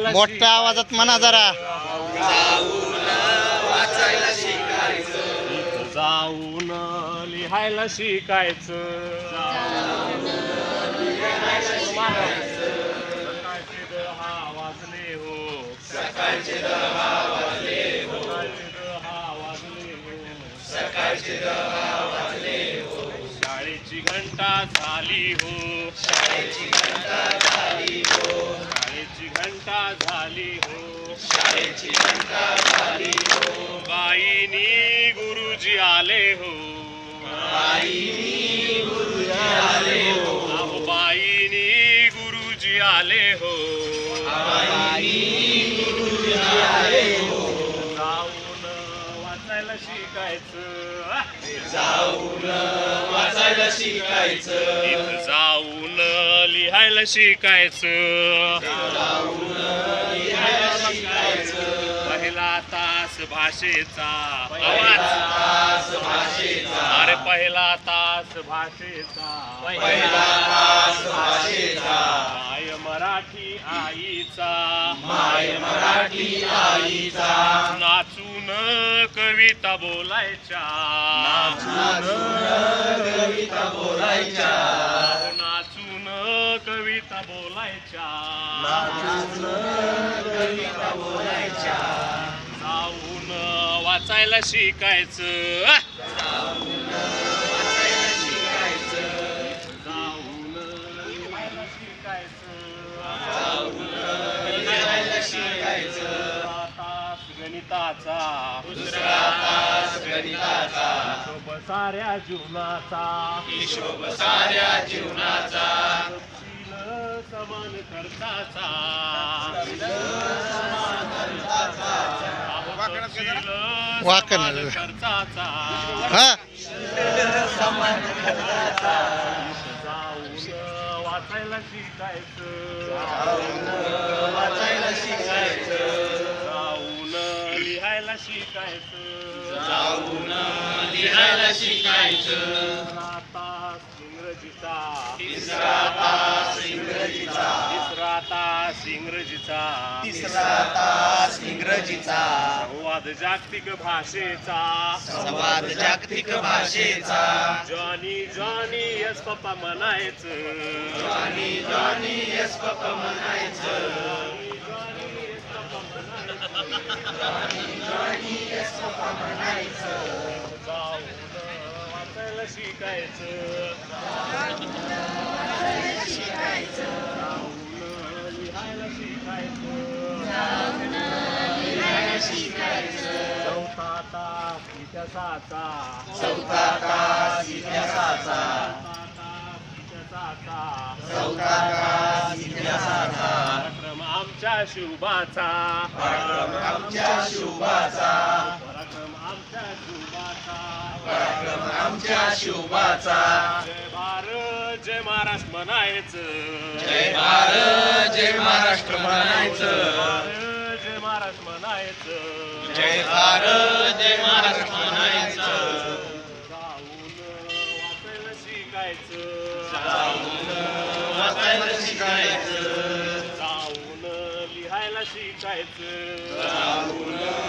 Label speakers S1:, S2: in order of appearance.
S1: मोठ्या आवाजात म्हणा जरा.
S2: जाऊन लिहायला शिकायचं. सकाळचे 10 वाजले हो. सकाळचे 10 वाजले हो. सकाळचे 10 वाजले हो. शाळेची घंटा झाली हो. शाळेची घंटा झाली हो. शाळेची घंटा झाली हो. शाळेची घंटा झाली हो. बाईनी गुरुजी आले हो. बाईनी गुरुजी आले हो. अहो बाईनी गुरुजी आले हो. बाईनी गुरुजी आले हो. जाऊन वाचायला शिकायचं. जाऊन वाचायला शिकायचं. इथं जाऊन लिहायला शिकायचं. जाऊन लिहायला शिकायचं. पहिला तास भाषेचा. आवाज भाषेचा. अरे पहिला तास भाषेचा. पहिला तास भाषेचा. माय मराठी आईचा. माय मराठी आईचा. नाचून कविता बोलायच्या. नाचून कविता बोलायच्या. नाचून कविता बोलायच्या. नाचून कविता बोलायच्या. जाऊन वाचायला शिकायचं. जाऊन वाचायला शिकायचं. जाऊन लिहायला शिकायचं. जाऊन लिहायला शिकायचं. तास गणिताचा. दुसरा तास गणिताचा. हिशोब साऱ्या जीवनाचा. हिशोब साऱ्या जीवनाचा. तपशील समान खर्चाचा.
S1: वाकण
S2: खर्चाचा.
S1: हा
S2: जाऊन वाचायला शिकायचं. वाचायला शिकायचं. जाऊन लिहायला शिकायचं. जाऊन लिहायला शिकायचं. तिसरा तास इंग्रजीचा. तिसरा तास इंग्रजीचा. तिसरा तास इंग्रजीचा. तिसरा तास इंग्रजीचा. संवाद जागतिक भाषेचा. संवाद जागतिक भाषेचा. जॉनी जॉनी यस पप्पा म्हणायचं. जॉनी जॉनी यस पप्पा म्हणायचं. जॉनी जॉनी यस पप्पा म्हणायचं. जाऊन वाचायला शिकायचं. जाऊन लिहायला शिकायचं. चौथा तास इतिहासाचा. चौथा तास इतिहासाचा. चौथा तास इतिहासाचा. पराक्रम आमच्या शिवबाचा. पराक्रम आमच्या शिवबाचा. पराक्रम आमच्या शिवबाचा. पराक्रम आमच्या शिवबाचा. जय भारत जय महाराष्ट्र म्हणायचं. जय भारत जय महाराष्ट्र म्हणायचं. जय महाराष्ट्र म्हणायचं. जय भारत जय महाराष्ट्र म्हणायचं. जाऊन वाचायला शिकायचं. जाऊन वाचायला शिकायचं. जाऊन लिहायला शिकायचं. जाऊन